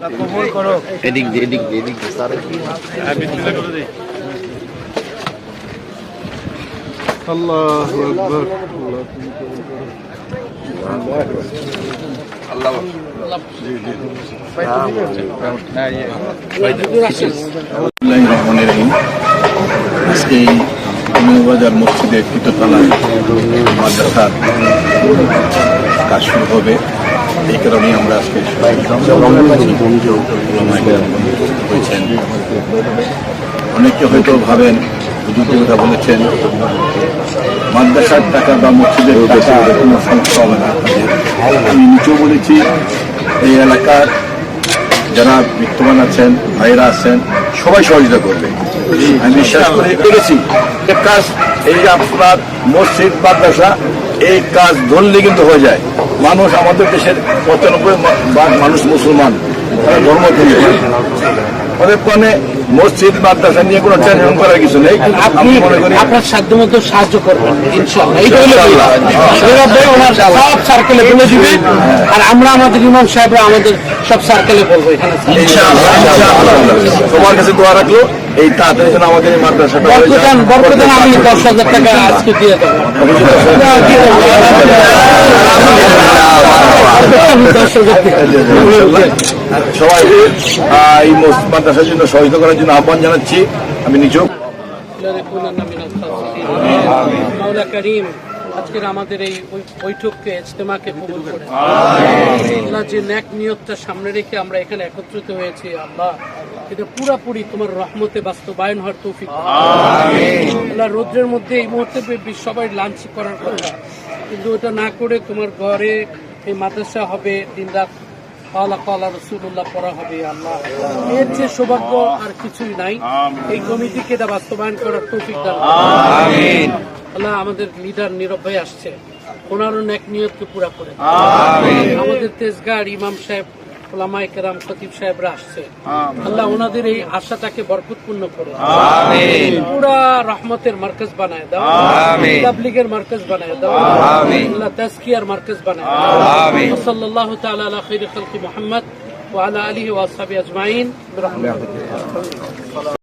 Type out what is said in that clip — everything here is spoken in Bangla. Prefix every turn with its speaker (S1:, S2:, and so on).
S1: কবুল করো।
S2: এদিক দিয়ে স্যার
S1: আল্লাহু আকবার।
S3: আজকে বাজার মসজিদে তৃতীয়তলায় মাদ্রাসার কাজ শুরু হবে। এই কারণে আমরা আজকে হয়েছেন। অনেকে হয়তো ভাবেন হুজুরের কথা বলেছেন মাদ্রাসার টাকা বা মসজিদের টাকা কোনো সমস্যা হবে না। আমি নিচেও বলেছি এই এলাকার যারা বিত্তবান আছেন, ভাইরা আছেন, সবাই সহযোগিতা করবে। আমি বিশ্বাস করে পেরেছি কাজ এই আপনার মসজিদ মাদ্রাসা এই কাজ ধরলে কিন্তু হয়ে যায়। মানুষ আমাদের দেশের 95% মানুষ মুসলমান, তারা ধর্ম থেকে ওদের কারণে মসজিদ মাদ্রাসা নিয়ে কোনো টেনশন করার কিছু নেই।
S4: আপনি আপনার সাধ্যমতো সাহায্য করবেন ইনশাআল্লাহ। সব সার্কেলে বলে দিবেন আর আমরা আমাদের ইমাম সাহেবরা আমাদের সব সার্কেলে বলবো এখানে
S3: তোমার কাছে দোয়া রাখলো এই তাড়াতাড়ি যেন আমাদের এই মাদ্রাসাটা
S4: বরকদান আমি 10,000 টাকা আজকে দিয়ে দেবো।
S3: সবাই এই মাদ্রাসার জন্য সহযোগিতা করার জন্য আহ্বান জানাচ্ছি। আমি নিজেও
S4: আজকের আমাদের এই বৈঠককে ইজতেমাকে কবুল করে আল্লাহ, যে নেক নিয়তটা সামনে রেখে আমরা এখানে একত্রিত হয়েছি আল্লাহ, এটা পুরাপুরি তোমার রহমতে বাস্তবায়ন হওয়ার তৌফিক আল্লাহ। রৌদ্রের মধ্যে এই মুহূর্তে সবাই লাঞ্চ করার কথা, কিন্তু ওটা না করে তোমার ঘরে এই মাদ্রাসা হবে, দিনরাত কালা রসুল্লাহ পড়া হবে আল্লাহ। এর যে সৌভাগ্য আর কিছুই নাই। এই কমিটিকে এটা বাস্তবায়ন করার তৌফিক দান আল্লাহ। আমাদের লিডার নীরব ভাই আসছে, ওনারও নেক নিয়তকে পুরা করে। আমাদের তেজগাঁর ইমাম সাহেব, ওলামায়ে কেরাম, খতিব সাহেবরা আসছে আল্লাহ, ওনাদের এই আশাটাকে বরকতপূর্ণ করো। পুরা রহমতের মার্কাজ বানায় দাও, তাবলীগের মার্কাজ বানায় দাও আল্লাহ, তাজকিয়ার মার্কাজ বানায় দাও। সাল্লাল্লাহু তাআলা আলা খায়রি খালকি মুহাম্মদ ওয়া আলা আলিহি ওয়া আসহাবিহি আজমাইন বিরহমাতিকা।